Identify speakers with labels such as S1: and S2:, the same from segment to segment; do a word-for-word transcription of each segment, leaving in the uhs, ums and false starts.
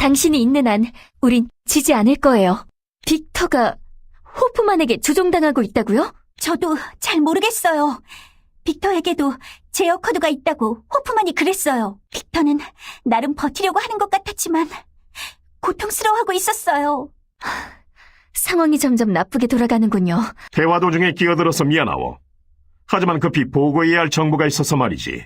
S1: 당신이 있는 한 우린 지지 않을 거예요. 빅터가 호프만에게 조종당하고 있다고요?
S2: 저도 잘 모르겠어요. 빅터에게도 제어 코드가 있다고 호프만이 그랬어요. 빅터는 나름 버티려고 하는 것 같았지만 고통스러워하고 있었어요.
S1: 상황이 점점 나쁘게 돌아가는군요.
S3: 대화 도중에 끼어들어서 미안하오. 하지만 급히 보고해야 할 정보가 있어서 말이지.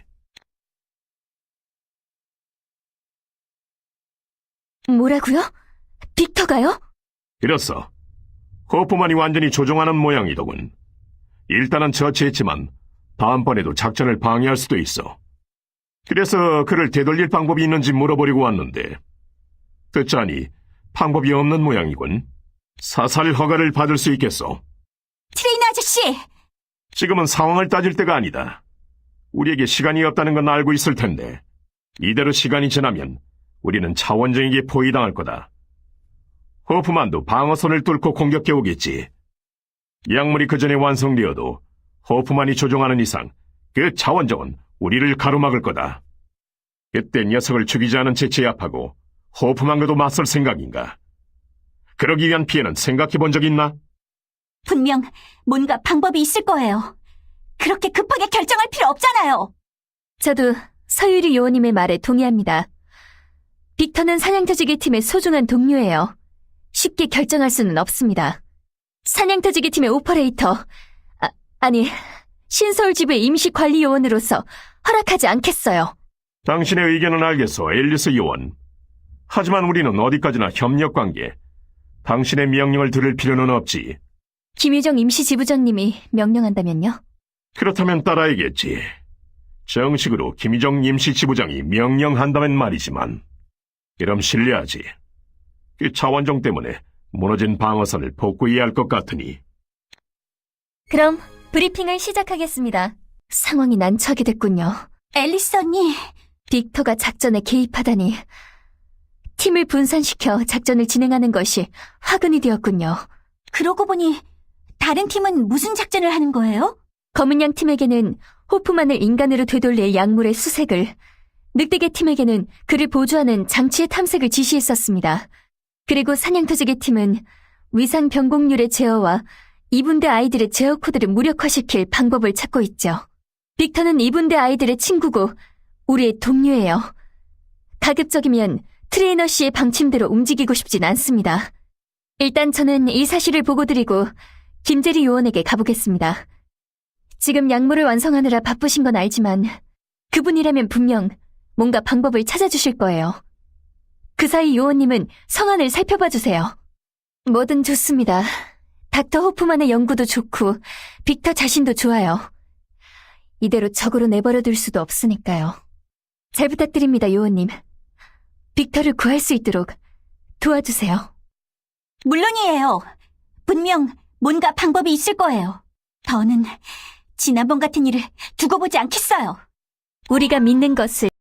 S1: 뭐라고요? 빅터가요?
S3: 그렇소. 호프만이 완전히 조종하는 모양이더군. 일단은 처치했지만 다음번에도 작전을 방해할 수도 있어. 그래서 그를 되돌릴 방법이 있는지 물어보려고 왔는데 듣자니 방법이 없는 모양이군. 사살 허가를 받을 수 있겠소?
S2: 트레이너 아저씨!
S3: 지금은 상황을 따질 때가 아니다. 우리에게 시간이 없다는 건 알고 있을 텐데 이대로 시간이 지나면 우리는 차원정에게 포위당할 거다. 호프만도 방어선을 뚫고 공격해 오겠지. 약물이 그 전에 완성되어도 호프만이 조종하는 이상 그 차원정은 우리를 가로막을 거다. 그때 녀석을 죽이지 않은 채 제압하고 호프만과도 맞설 생각인가? 그러기 위한 피해는 생각해 본 적 있나?
S2: 분명 뭔가 방법이 있을 거예요. 그렇게 급하게 결정할 필요 없잖아요.
S1: 저도 서유리 요원님의 말에 동의합니다. 빅터는 사냥터지기 팀의 소중한 동료예요. 쉽게 결정할 수는 없습니다. 사냥터지기 팀의 오퍼레이터, 아, 아니, 신서울지부의 임시관리 요원으로서 허락하지 않겠어요.
S3: 당신의 의견은 알겠소, 앨리스 요원. 하지만 우리는 어디까지나 협력관계. 당신의 명령을 들을 필요는 없지.
S1: 김유정 임시지부장님이 명령한다면요?
S3: 그렇다면 따라야겠지. 정식으로 김희정 임시지부장이 명령한다면 말이지만 그럼 신뢰하지. 그 차원정 때문에 무너진 방어선을 복구해야 할 것 같으니.
S1: 그럼 브리핑을 시작하겠습니다. 상황이 난처하게 됐군요.
S2: 앨리스 언니,
S1: 빅터가 작전에 개입하다니. 팀을 분산시켜 작전을 진행하는 것이 화근이 되었군요.
S2: 그러고 보니 다른 팀은 무슨 작전을 하는 거예요?
S1: 검은 양 팀에게는 호프만을 인간으로 되돌릴 약물의 수색을, 늑대계 팀에게는 그를 보조하는 장치의 탐색을 지시했었습니다. 그리고 사냥터지계 팀은 위상 변곡률의 제어와 이분대 아이들의 제어 코드를 무력화시킬 방법을 찾고 있죠. 빅터는 이분대 아이들의 친구고 우리의 동료예요. 가급적이면 트레이너 씨의 방침대로 움직이고 싶진 않습니다. 일단 저는 이 사실을 보고드리고 김재리 요원에게 가보겠습니다. 지금 약물을 완성하느라 바쁘신 건 알지만 그분이라면 분명 뭔가 방법을 찾아주실 거예요. 그 사이 요원님은 성안을 살펴봐 주세요. 뭐든 좋습니다. 닥터 호프만의 연구도 좋고 빅터 자신도 좋아요. 이대로 적으로 내버려둘 수도 없으니까요. 잘 부탁드립니다, 요원님. 빅터를 구할 수 있도록 도와주세요.
S2: 물론이에요. 분명 뭔가 방법이 있을 거예요. 더는 지난번 같은 일을 두고 보지 않겠어요.
S1: 우리가 믿는 것을